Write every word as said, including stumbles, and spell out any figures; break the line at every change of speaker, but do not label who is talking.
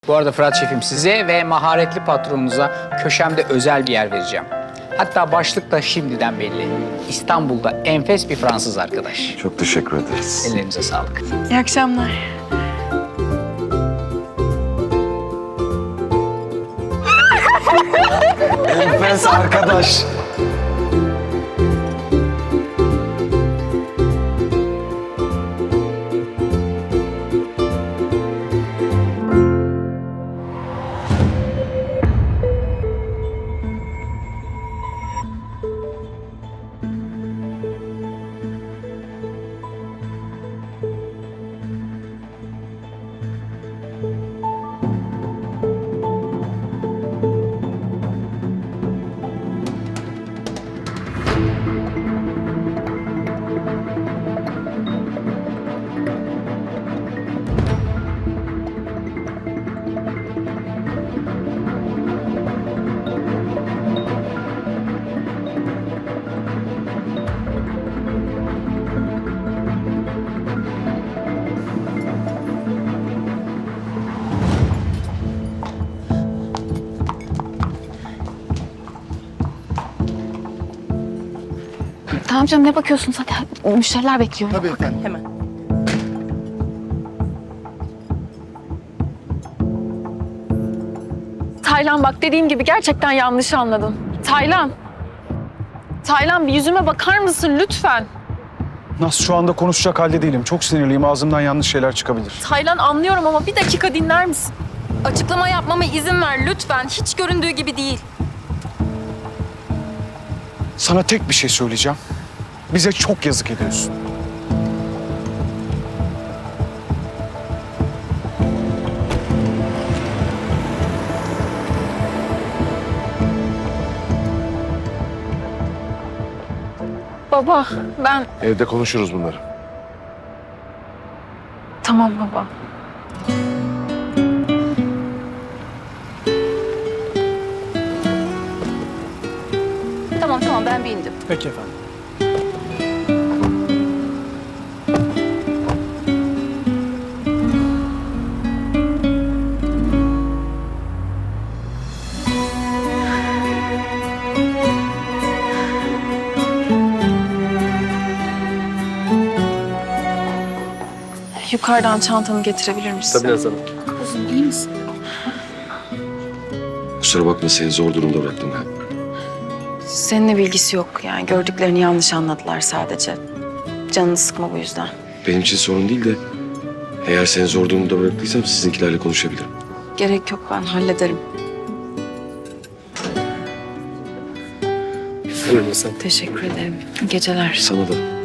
Bu arada Fırat Şefim, size ve maharetli patronunuza köşemde özel bir yer vereceğim. Hatta başlık da şimdiden belli. İstanbul'da enfes bir Fransız arkadaş.
Çok teşekkür ederiz.
Ellerinize sağlık.
İyi akşamlar.
Enfes arkadaş.
Tamam canım, ne bakıyorsun zaten? Müşteriler bekliyor.
Tabii efendim.
Hemen. Taylan, bak dediğim gibi gerçekten yanlış anladın. Taylan. Taylan, bir yüzüme bakar mısın lütfen?
Nasıl şu anda konuşacak halde değilim. Çok sinirliyim. Ağzımdan yanlış şeyler çıkabilir.
Taylan, anlıyorum ama bir dakika dinler misin?
Açıklama yapmama izin ver lütfen. Hiç göründüğü gibi değil.
Sana tek bir şey söyleyeceğim. Bize çok yazık ediyorsun.
Baba, ben...
Evde konuşuruz bunları.
Tamam baba.
Tamam tamam ben bir indim.
Peki efendim.
Yukarıdan çantanı getirebilir misin?
Tabii Nazan.
Kuzum, iyi misin?
Kusura bakma, seni zor durumda bıraktım ben.
Seninle bilgisi yok. Yani gördüklerini yanlış anladılar sadece. Canını sıkma bu yüzden.
Benim için sorun değil de eğer seni zor durumda bıraktıysam sizinkilerle konuşabilirim.
Gerek yok, ben hallederim.
Buyurun sen.
Teşekkür ederim. İyi geceler.
Sana da.